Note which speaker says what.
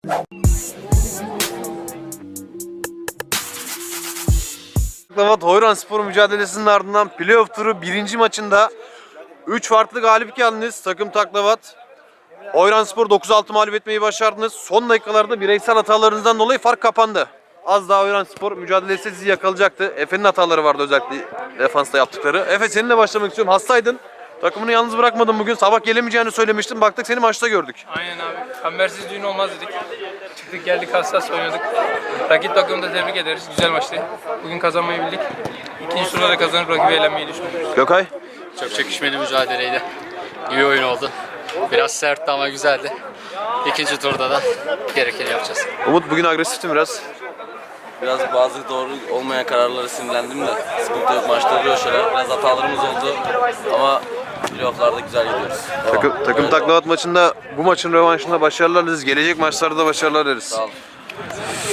Speaker 1: Taklavat Hoyranspor mücadelesinin ardından playoff turu 1. maçında 3 farklı galip geldiniz. Takım Taklavat Hoyranspor 9-6 mağlup etmeyi başardınız. Son dakikalarda bireysel hatalarınızdan dolayı fark kapandı. Az daha Hoyranspor mücadelesi sizi yakalayacaktı. Efe'nin hataları vardı, özellikle defansta yaptıkları. Efe, seninle başlamak istiyorum. Hastaydın. Takımını yalnız bırakmadın bugün. Sabah gelemeyeceğini söylemiştin. Baktık seni maçta gördük.
Speaker 2: Aynen abi. Kambersiz düğün olmaz dedik. Çıktık geldik, hassas oynadık. Rakip takımı da tebrik ederiz. Güzel maçtı. Bugün kazanmayı bildik. İkinci turda da kazanıp rakibi eğlenmeyi düşünüyoruz.
Speaker 1: Gökay?
Speaker 3: Çok çekişmeli mücadeleydi. İyi oyun oldu. Biraz sertti ama güzeldi. İkinci turda da gerekeni yapacağız.
Speaker 1: Umut, bugün agresiftin biraz.
Speaker 4: Biraz bazı doğru olmayan kararlara sinirlendim de sıkıntı yok, maçta oluyor şeyler. Biraz hatalarımız oldu ama playoff'larda güzel gidiyoruz.
Speaker 1: Takım Taklavat maçında, bu maçın rövanşında başarılar dileriz. Gelecek maçlarda da başarılar dileriz.
Speaker 4: Sağ olun.